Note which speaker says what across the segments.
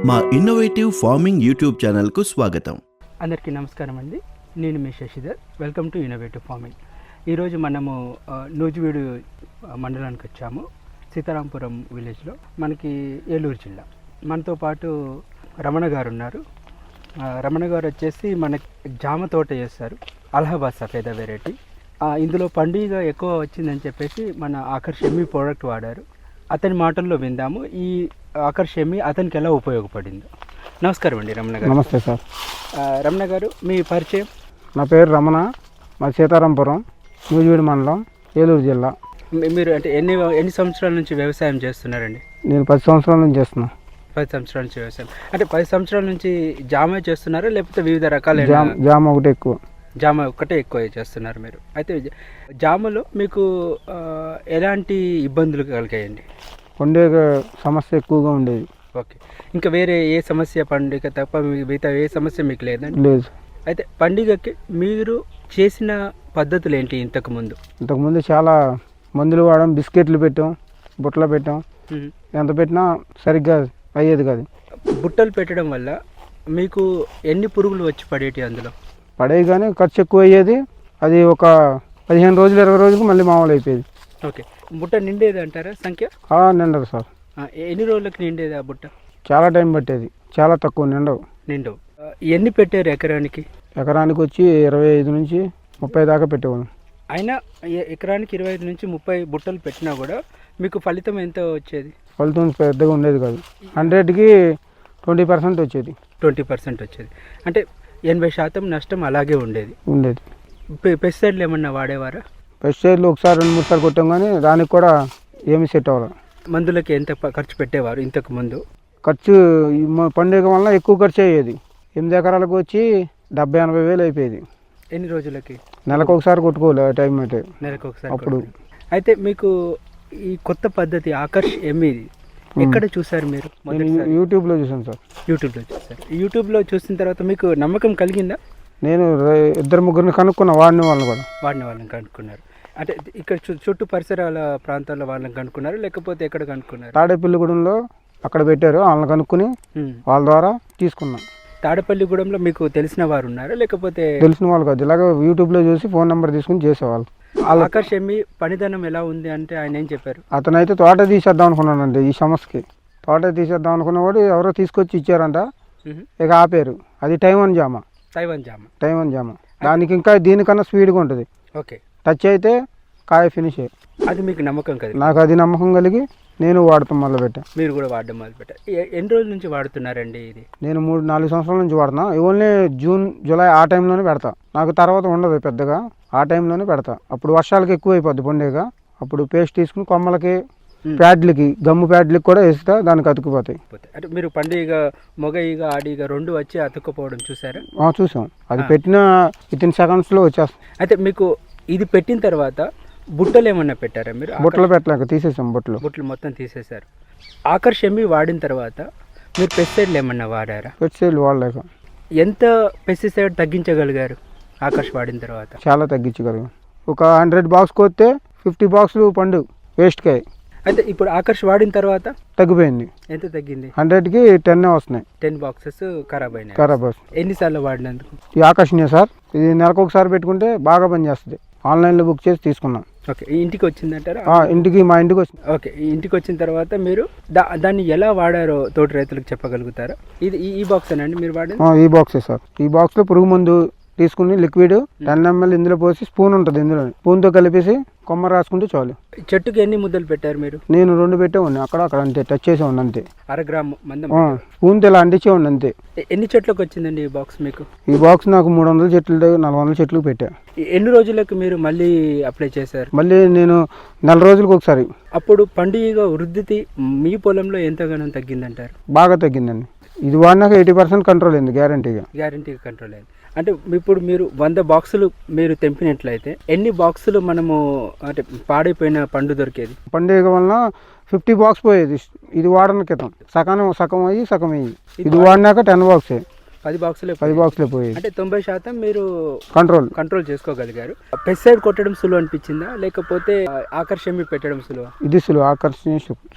Speaker 1: మా innovative farming YouTube ఛానల్కు స్వాగతం.
Speaker 2: అందరికీ నమస్కారం అండి. నేను మీ Shashidhar. Welcome to innovative farming. ఈరోజు మనము నూజివీడు మండలానికి వచ్చాము. సీతారాంపురం విలేజ్లో, మనకి ఏలూరు జిల్లా. మనతో పాటు రమణ గారు ఉన్నారు. రమణ గారు వచ్చేసి మనకి జామ తోట చేస్తారు, అలహాబాద్ సఫేద వెరైటీ. ఇందులో పండుగ ఎక్కువ వచ్చిందని చెప్పేసి మన ఆకర్ష్ ఎమ్మి ప్రోడక్ట్ వాడారు. అతని మాటల్లో విందాము ఈ ఆకర్ష్ ఎమ్మి అతనికి ఎలా ఉపయోగపడిందో. నమస్కారం అండి రమణ గారు.
Speaker 3: నమస్తే సార్.
Speaker 2: రమణ గారు, మీ పరిచయం?
Speaker 3: నా పేరు రమణ, మా సీతారాంపురం, నూజివీడు మండలం, ఏలూరు జిల్లా.
Speaker 2: మీరు అంటే ఎన్ని సంవత్సరాల నుంచి వ్యవసాయం చేస్తున్నారండి?
Speaker 3: నేను 10 సంవత్సరాల నుంచి చేస్తున్నా.
Speaker 2: 10 సంవత్సరాల నుంచి వ్యవసాయం అంటే 10 సంవత్సరాల నుంచి జామ చేస్తున్నారా, లేకపోతే వివిధ రకాల
Speaker 3: జామ ఒకటి ఎక్కువ?
Speaker 2: జామ ఒక్కటే ఎక్కువ చేస్తున్నారు మీరు. అయితే జామలో మీకు ఎలాంటి ఇబ్బందులు కలిగాయండి?
Speaker 3: పండుగ సమస్య ఎక్కువగా ఉండేది.
Speaker 2: ఓకే. ఇంకా వేరే ఏ సమస్య, పండుగ తప్ప మిగతా ఏ సమస్య మీకు లేదండి?
Speaker 3: లేదు.
Speaker 2: అయితే పండుగకి మీరు చేసిన పద్ధతులు ఏంటి? ఇంతకుముందు
Speaker 3: చాలా మందులు వాడాం, బిస్కెట్లు పెట్టాం, బుట్టలు పెట్టాం. ఎంత పెట్టినా సరిగ్గా అయ్యేది కాదు.
Speaker 2: బుట్టలు పెట్టడం వల్ల మీకు ఎన్ని పురుగులు వచ్చి పడేటి? అందులో
Speaker 3: పడేవి కానీ ఖర్చు ఎక్కువ అయ్యేది. అది ఒక 15 రోజులు 20 రోజులకు మళ్ళీ మామూలు అయిపోయేది.
Speaker 2: ఓకే. బుట్ట నిండేది అంటారా సంఖ్య?
Speaker 3: నిండదు సార్.
Speaker 2: ఎన్ని రోజులకు నిండేది ఆ బుట్ట?
Speaker 3: చాలా టైం పట్టేది, చాలా తక్కువ నిండవు.
Speaker 2: ఎన్ని పెట్టారు ఎకరానికి?
Speaker 3: ఎకరానికి వచ్చి 25 నుంచి 30 దాకా పెట్టేవాళ్ళం.
Speaker 2: అయినా ఎకరానికి 25 నుంచి 30 బుట్టలు పెట్టినా కూడా మీకు ఫలితం ఎంత వచ్చేది?
Speaker 3: ఫలితం పెద్దగా ఉండేది కాదు. 100కి 20% వచ్చేది.
Speaker 2: 20% వచ్చేది అంటే 80% నష్టం అలాగే ఉండేది. పెస్టిసైడ్లు ఏమన్నా వాడేవారా?
Speaker 3: పెస్టిసైడ్లు ఒకసారి 2-3 సార్లు కొట్టాం కానీ దానికి కూడా ఏమి సెట్ అవ్వాలి.
Speaker 2: మందులకి ఎంత ఖర్చు పెట్టేవారు ఇంతకు ముందు?
Speaker 3: ఖర్చు పండుగ వల్ల ఎక్కువ ఖర్చు అయ్యేది. 8 ఎకరాలకు వచ్చి 70-80 వేలు అయిపోయేది.
Speaker 2: ఎన్ని రోజులకి?
Speaker 3: నెలకు ఒకసారి కొట్టుకోవాలి టైం అయితే.
Speaker 2: నెలకు ఒకసారి
Speaker 3: అప్పుడు.
Speaker 2: అయితే మీకు ఈ కొత్త పద్ధతి ఆకర్ష్ ఎమ్మి ఎక్కడ చూసారు మీరు?
Speaker 3: యూట్యూబ్లో చూసాను సార్.
Speaker 2: యూట్యూబ్లో చూసిన తర్వాత మీకు నమ్మకం కలిగిందా?
Speaker 3: నేను 2-3 కనుక్కున్నా, వాడిన
Speaker 2: వాళ్ళని కనుక్కున్నారు. అంటే ఇక్కడ చుట్టూ పరిసరాల ప్రాంతాల్లో వాళ్ళని కనుక్కున్నారు, లేకపోతే ఎక్కడ కనుక్కున్నారు?
Speaker 3: తాడేపల్లిగూడెంలో అక్కడ పెట్టారు, వాళ్ళని కనుక్కుని వాళ్ళ ద్వారా తీసుకున్నాం.
Speaker 2: తాడేపల్లిగూడెంలో మీకు తెలిసిన వారు ఉన్నారా, లేకపోతే?
Speaker 3: తెలిసిన వాళ్ళు కాదు, ఇలాగ యూట్యూబ్లో చూసి ఫోన్ నెంబర్ తీసుకుని చేసేవాళ్ళు.
Speaker 2: ఆకర్ష్ ఎమ్మి పనిదనం ఎలా ఉంది అంటే ఆయన ఏం చెప్పారు?
Speaker 3: అతనైతే తోట తీసేద్దాం అనుకున్నానండి. ఈ సమస్యకి తోట తీసేద్దాం అనుకున్నవాడు ఎవరో తీసుకొచ్చి ఇచ్చారంట, ఇక ఆపేరు. అది తైవాన్ జామ. దానికి ఇంకా దీనికన్నా స్పీడ్గా ఉంటుంది.
Speaker 2: ఓకే.
Speaker 3: టచ్ అయితే కాయ ఫినిష్.
Speaker 2: అది మీకు నమ్మకం కలిగి?
Speaker 3: నాకు అది నమ్మకం కలిగి నేను వాడతాం మొదలుపెట్టా.
Speaker 2: మీరు కూడా వాడడం మొదలుపెట్టారు. ఎన్ని రోజుల నుంచి వాడుతున్నారండి ఇది?
Speaker 3: నేను 3-4 సంవత్సరాల నుంచి వాడుతున్నా. ఓన్లీ జూన్ జూలై ఆ టైంలోనే పెడతా. నాకు తర్వాత ఉండదు పెద్దగా, ఆ టైంలోనే పెడతా. అప్పుడు వర్షాలకి ఎక్కువ అయిపోద్ది పండుగ. అప్పుడు పేస్ట్ తీసుకుని కొమ్మలకి, ప్యాడ్లకి, గమ్ము ప్యాడ్లకి కూడా వేస్తా, దానికి అతుక్కుపోతాయి.
Speaker 2: అంటే మీరు పండుగ మొగ ఈగ ఆడిగ 2 వచ్చి అతుక్కుపోవడం చూసారా?
Speaker 3: చూసాం. అది పెట్టిన వితిన్ సెకండ్స్లో వచ్చేస్తాం.
Speaker 2: అయితే మీకు ఇది పెట్టిన తర్వాత బుట్టలు ఏమన్నా పెట్టారా మీరు?
Speaker 3: బుట్టలు పెట్టలేక తీసేసాం.
Speaker 2: బుట్టలు మొత్తం తీసేశారు. ఆకర్ష్ ఎమ్మి వాడిన తర్వాత మీరు పెస్టిసైడ్లు ఏమన్నా వాడారా?
Speaker 3: పెస్టిసైడ్లు వాడలేక.
Speaker 2: ఎంత పెస్టిసైడ్ తగ్గించగలిగారు ఆకర్ష్ వాడిన తర్వాత?
Speaker 3: చాలా తగ్గించగలిగాం. ఒక 100 బాక్స్ కొస్తే 50 బాక్సులు పండు వేస్ట్కాయ.
Speaker 2: అయితే ఇప్పుడు ఆకర్ష్ వాడిన తర్వాత
Speaker 3: తగ్గిపోయింది.
Speaker 2: ఎంత తగ్గింది?
Speaker 3: 100కి 10 వస్తున్నాయి.
Speaker 2: 10 బాక్సెస్ ఖరాబ్ అయినాయి. ఎన్నిసార్లు వాడినందుకు?
Speaker 3: ఈ ఆకర్షణీయ సార్, ఇది నెలకు ఒకసారి పెట్టుకుంటే బాగా పనిచేస్తుంది. ఆన్లైన్లో బుక్ చేసి తీసుకున్నాం.
Speaker 2: ఓకే. ఇంటికి వచ్చిందంటారా?
Speaker 3: మా ఇంటికి వచ్చింది.
Speaker 2: ఓకే. ఇంటికి వచ్చిన తర్వాత మీరు దాన్ని ఎలా వాడారో తోటి రైతులకు చెప్పగలుగుతారా? ఇది ఈ బాక్స్ అండి మీరు వాడింది?
Speaker 3: ఈ బాక్సే సార్. ఈ బాక్స్లో పురుగు మందు తీసుకుని లిక్విడ్ 10 ml ఇందులో పోసి, స్పూన్ ఉంటుంది ఇందులో, స్పూన్తో కలిపేసి కొమ్మ రాసుకుంటే చాలు.
Speaker 2: చెట్టుకి ఎన్ని ముద్దలు పెట్టారు మీరు?
Speaker 3: నేను 2 పెట్టేవాడిని. అక్కడ అంతే టచ్ చేసేవాడిని అంతే.
Speaker 2: 1/2 గ్రాము మందం
Speaker 3: స్పూన్తో ఇలా అంటించేవాడిని అంతే.
Speaker 2: ఎన్ని చెట్లకు వచ్చిందండి ఈ బాక్స్ మీకు?
Speaker 3: ఈ బాక్స్ నాకు 300 చెట్లు 400 చెట్లకు పెట్టా.
Speaker 2: ఎన్ని రోజులకు మీరు మళ్ళీ అప్లై చేశారు?
Speaker 3: మళ్ళీ నేను 4 రోజులకు ఒకసారి.
Speaker 2: అప్పుడు పండుగ వృద్ధి మీ పొలంలో ఎంతగానో తగ్గిందంటారు?
Speaker 3: బాగా తగ్గిందండి. ఇది వాడినాక 80% కంట్రోల్ అయింది, గ్యారంటీగా
Speaker 2: కంట్రోల్ అయింది. అంటే ఇప్పుడు మీరు 100 బాక్సులు మీరు తెంపినట్లయితే ఎన్ని బాక్సులు మనము అంటే పాడైపోయిన పండు దొరికేది?
Speaker 3: పండుగ వలన 50 బాక్స్ పోయేది. ఇది వాడన క్రితం సగం అయ్యి ఇది వాడినాక 10 బాక్సే.
Speaker 2: 10 బాక్సులే
Speaker 3: పోయాయి.
Speaker 2: అంటే 90% మీరు కంట్రోల్ చేసుకోగలిగారు. పెస్టిసైడ్ కొట్టడం సులువు అనిపించిందా, లేకపోతే ఆకర్షణ పెట్టడం సులువా?
Speaker 3: ఇది సులువు, ఆకర్షణ సులువు.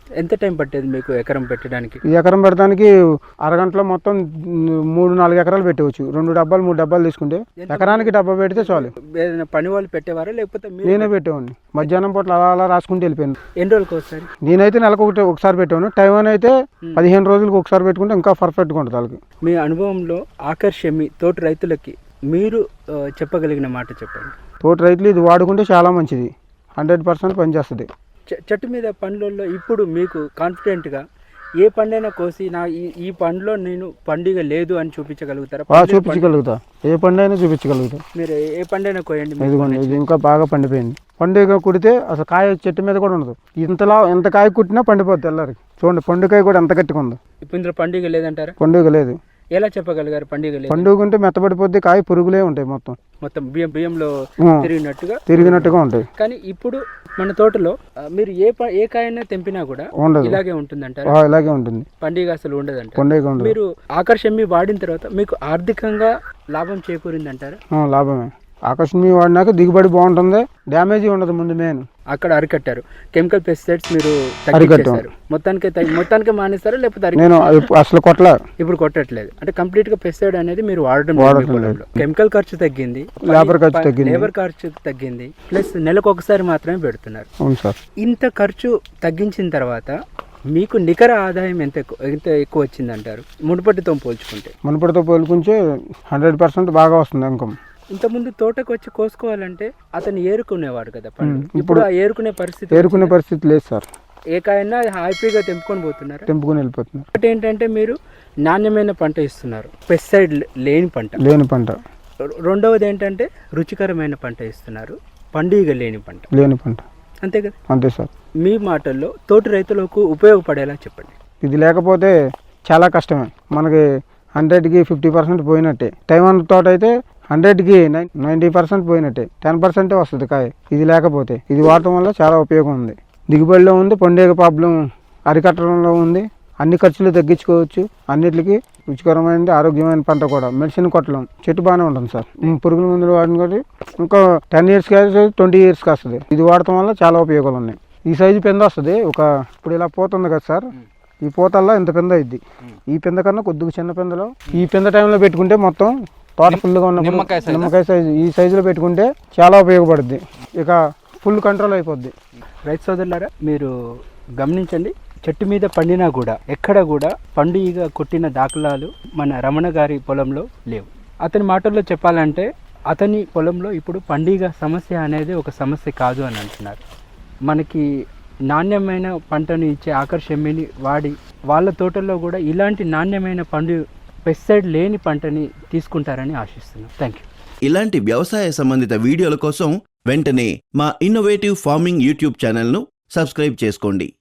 Speaker 2: ఎంత టైం పట్టేది మీకు ఎకరం పెట్టడానికి?
Speaker 3: ఈ ఎకరం పెడతానికి అరగంటలో మొత్తం 3-4 ఎకరాలు పెట్టవచ్చు. 2 డబ్బాలు 3 డబ్బాలు తీసుకుంటే ఎకరానికి డబ్బా పెడితే చాలు.
Speaker 2: ఏదైనా పని వాళ్ళు పెట్టేవారా లేకపోతే
Speaker 3: నేనే పెట్టేవాడిని. మధ్యాహ్నం పూట అలా రాసుకుంటూ వెళ్ళిపోయాను.
Speaker 2: ఎన్ని రోజులకు ఒకసారి?
Speaker 3: నేనైతే నెలకు ఒకసారి పెట్టాను. టైం అయితే 15 రోజులకు ఒకసారి పెట్టుకుంటే ఇంకా పర్ఫెక్ట్గా ఉంటుంది వాళ్ళకి.
Speaker 2: మీ అనుభవంలో ఆకర్షమి తోటి రైతులకి మీరు చెప్పగలిగిన మాట చెప్పండి.
Speaker 3: తోటి రైతులు ఇది వాడుకుంటే చాలా మంచిది, 100% పనిచేస్తుంది.
Speaker 2: చెట్టు మీద పండ్లలో ఇప్పుడు మీకు కాన్ఫిడెంట్గా ఏ పండైనా కోసి నా ఈ పండులో నేను పండుగ లేదు అని చూపించగలుగుతారా?
Speaker 3: చూపించగలుగుతా, ఏ పండు అయినా చూపించగలుగుతా.
Speaker 2: మీరు ఏ పండైనా కోయండి.
Speaker 3: ఇదిగోండి, ఇది ఇంకా బాగా పండిపోయింది. పండుగ కుడితే అసలు కాయ చెట్టు మీద కూడా ఉండదు. ఎంత కాయ కుట్టినా పండిపోద్ది తెల్లారికి. చూడండి పండుకాయ కూడా ఎంత గట్టిగా ఉందో.
Speaker 2: ఇప్పుడు ఇందులో పండుగ లేదంటారా?
Speaker 3: పండుగ లేదు.
Speaker 2: ఎలా చెప్పగలిగారు పండుగ లేదు?
Speaker 3: పండుగ ఉంటే మెత్తబడిపోద్ది, కాయ పురుగులే ఉంటాయి, మొత్తం
Speaker 2: బియ్యంలో
Speaker 3: తిరిగినట్టుగా ఉంటాయి.
Speaker 2: కానీ ఇప్పుడు మన తోటలో మీరు ఏ కాయైనా తెంపినా కూడా ఉండదు, ఇలాగే ఉంటుందంటారా?
Speaker 3: ఇలాగే ఉంటుంది,
Speaker 2: పండుగ అసలు ఉండదంట.
Speaker 3: పండుగ ఉండదు.
Speaker 2: మీరు ఆకర్షమి వాడిన తర్వాత మీకు ఆర్థికంగా లాభం చేకూరిందంటారా?
Speaker 3: లాభమే. ఆకర్షణ వాడినాక దిగుబడి బాగుంటుంది, డ్యామేజ్ ఉండదు. ముందు మెయిన్
Speaker 2: అక్కడ అరికట్టారు. కెమికల్ పెస్టిసైడ్స్ మీరు తగ్గించేశారు. మొత్తానికి మానేస్తారా లేకపోతే
Speaker 3: నేను అసలు
Speaker 2: ఇప్పుడు కొట్టట్లేదు అంటే కంప్లీట్ గా పెస్టిసైడ్ అనేది మీరు వాడడం లేదు. కెమికల్ ఖర్చు తగ్గింది, లేబర్ ఖర్చు తగ్గింది, ప్లస్ నెలకు ఒకసారి మాత్రమే పెడుతున్నారు.
Speaker 3: అవును సార్.
Speaker 2: ఇంత ఖర్చు తగ్గించిన తర్వాత మీకు నికర ఆదాయం ఎంత ఎక్కువ వచ్చింది అంటారు మునుపటితో పోల్చుకుంటే?
Speaker 3: 100% బాగా వస్తుంది ఇన్కమ్.
Speaker 2: ఇంతకుముందు తోటకు వచ్చి కోసుకోవాలంటే అతను ఏరుకునేవాడు కదా పండు. ఇప్పుడు ఆ ఏరుకునే
Speaker 3: పరిస్థితి లేదు సార్.
Speaker 2: ఏ కాయన్నా హ్యాపీగా తెంపుకొని
Speaker 3: వెళ్ళిపోతున్నారు.
Speaker 2: ఒకటి ఏంటంటే మీరు నాణ్యమైన పంట ఇస్తున్నారు, పెస్టిసైడ్ లేని పంట. రెండవది ఏంటంటే రుచికరమైన పంట ఇస్తున్నారు, పండుగ లేని పంట. అంతే కదా?
Speaker 3: అంతే సార్.
Speaker 2: మీ మాటల్లో తోటి రైతులకు ఉపయోగపడేలా చెప్పండి.
Speaker 3: ఇది లేకపోతే చాలా కష్టమే. మనకి 100కి 50% పోయినట్టే. టైం తోట అయితే 100కి 90% పోయినట్టే, 10% వస్తుంది కాయ. ఇది లేకపోతే ఇది వాడటం వల్ల చాలా ఉపయోగం ఉంది. దిగుబడిలో ఉంది, పండుగ ప్రాబ్లం అరికట్టడంలో ఉంది, అన్ని ఖర్చులు తగ్గించుకోవచ్చు. అన్నిటికీ రుచికరమైనది, ఆరోగ్యమైన పంట కూడా. మెడిసిన్ కొట్టడం, చెట్టు బాగానే ఉంటుంది సార్. పురుగుల మందులు వాడిన కాబట్టి ఇంకా 10 years కాదు, 20 years వస్తుంది. ఇది వాడటం వల్ల చాలా ఉపయోగాలు ఉన్నాయి. ఈ సైజు పెంద వస్తుంది. ఇప్పుడు ఇలా పోతుంది కదా సార్, ఈ పూతల్లో ఇంత పెంద అయింది. ఈ పెంద కన్నా కొద్దిగా చిన్న పెందలో ఈ పెంద టైంలో పెట్టుకుంటే మొత్తం తోట ఫుల్గా ఉన్న నిమ్మకాయ సైజు ఈ సైజులో పెట్టుకుంటే చాలా ఉపయోగపడుద్ది. ఇక ఫుల్ కంట్రోల్ అయిపోద్ది.
Speaker 2: రైతు సోదరులారా, మీరు గమనించండి, చెట్టు మీద పండినా కూడా ఎక్కడ కూడా పండుగ కొట్టిన దాఖలాలు మన రమణ గారి పొలంలో లేవు. అతని మాటల్లో చెప్పాలంటే అతని పొలంలో ఇప్పుడు పండుగ సమస్య అనేది ఒక సమస్య కాదు అని అంటున్నారు. మనకి నాణ్యమైన పంటను ఇచ్చే ఆకర్షమిని వాడి వాళ్ళ తోటల్లో కూడా ఇలాంటి నాణ్యమైన పెస్టిసైడ్ లేని పంటని తీసుకుంటారని ఆశిస్తున్నాం. Thank you.
Speaker 1: ఇలాంటి వ్యవసాయ సంబంధిత వీడియోల కోసం వెంటనే మా ఇన్నోవేటివ్ ఫార్మింగ్ యూట్యూబ్ ఛానల్ను సబ్స్క్రైబ్ చేసుకోండి.